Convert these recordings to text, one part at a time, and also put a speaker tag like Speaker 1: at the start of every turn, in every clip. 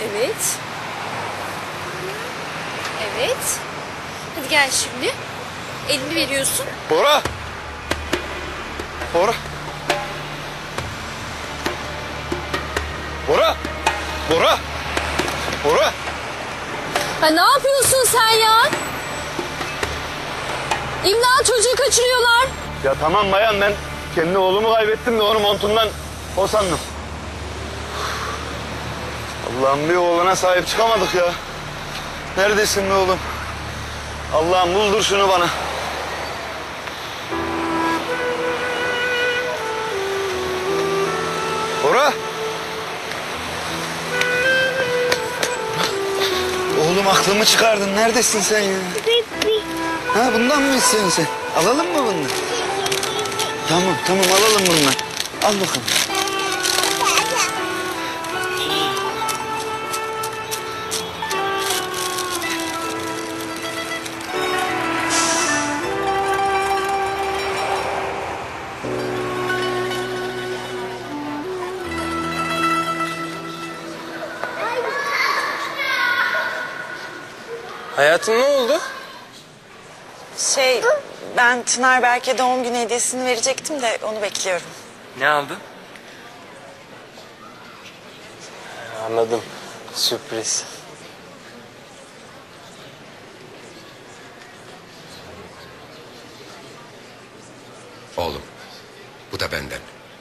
Speaker 1: Evet. Evet. Hadi gel şimdi. Elini veriyorsun.
Speaker 2: Bora! Bora! Bora! Bora! Bora!
Speaker 1: Ha, ne yapıyorsun sen ya? İmdat, çocuğu kaçırıyorlar.
Speaker 2: Ya tamam bayan, ben kendi oğlumu kaybettim de onu montundan o sandım. Allah'ım, bir oğluna sahip çıkamadık ya. Neredesin be oğlum? Allah'ım, buldur şunu bana. Bora! Oğlum, aklımı çıkardın. Neredesin sen ya? Ha, bundan mı istiyorsun sen? Alalım mı bunu? Tamam alalım bundan. Al bakalım.
Speaker 3: Hayatım, ne oldu?
Speaker 4: Ben Çınar Berk'e doğum günü hediyesini verecektim de onu bekliyorum.
Speaker 3: Ne aldın? Anladım. Sürpriz.
Speaker 5: Oğlum, bu da benden.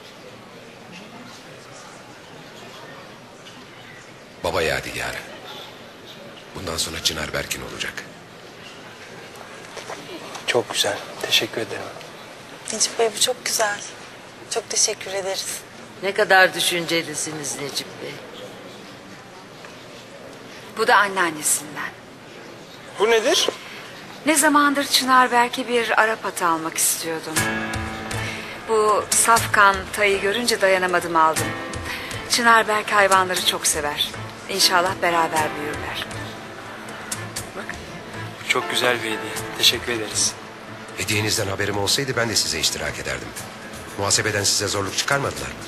Speaker 5: Baba yadigarı. Bundan sonra Çınar Berk'in olacak.
Speaker 3: Çok güzel. Teşekkür ederim.
Speaker 4: Necip Bey, bu çok güzel. Çok teşekkür ederiz.
Speaker 6: Ne kadar düşüncelisiniz Necip Bey.
Speaker 7: Bu da anneannesinden.
Speaker 3: Bu nedir?
Speaker 7: Ne zamandır Çınar Berk'e bir Arap atı almak istiyordum. Bu safkan tayı görünce dayanamadım, aldım. Çınar Berk hayvanları çok sever. İnşallah beraber büyürler.
Speaker 3: Bak, bu çok güzel bir hediye. Teşekkür ederiz.
Speaker 5: Hediyenizden haberim olsaydı ben de size iştirak ederdim. Muhasebeden size zorluk çıkarmadılar mı?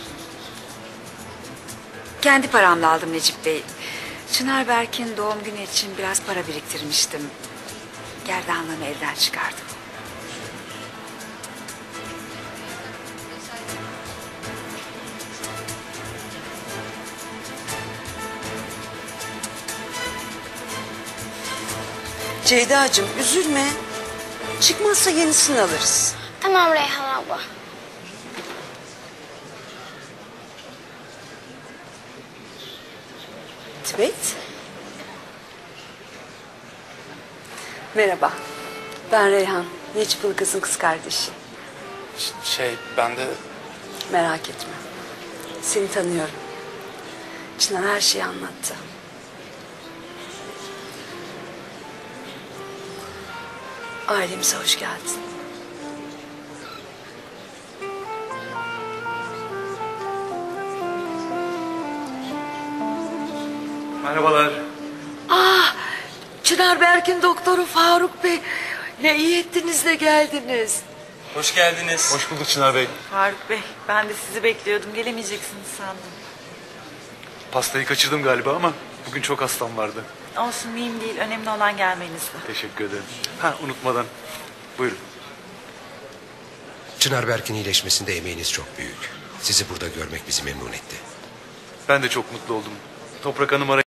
Speaker 7: Kendi paramla aldım Necip Bey. Çınar Berk'in doğum günü için biraz para biriktirmiştim. Gerdanlığımı elden çıkardım.
Speaker 8: Ceyda'cığım, üzülme. Çıkmazsa yenisini alırız.
Speaker 9: Tamam Reyhan abla.
Speaker 8: Tibet. Merhaba. Ben Reyhan. Necip Ilgaz'ın kız kardeşi.
Speaker 3: Ben de...
Speaker 8: Merak etme. Seni tanıyorum. Çınar her şeyi anlattı. Ailemize hoş geldin.
Speaker 3: Merhabalar.
Speaker 6: Çınar Berk'in doktoru Faruk Bey. Ne iyi ettiniz de geldiniz.
Speaker 3: Hoş geldiniz.
Speaker 2: Hoş bulduk Çınar Bey.
Speaker 4: Faruk Bey, ben de sizi bekliyordum. Gelemeyeceksiniz sandım.
Speaker 2: Pastayı kaçırdım galiba ama bugün çok hastam vardı.
Speaker 4: Olsun, mühim değil. Önemli olan gelmenizdi.
Speaker 2: Teşekkür ederim. Unutmadan. Buyurun.
Speaker 5: Çınar Berk'in iyileşmesinde emeğiniz çok büyük. Sizi burada görmek bizi memnun etti.
Speaker 2: Ben de çok mutlu oldum. Toprak Hanım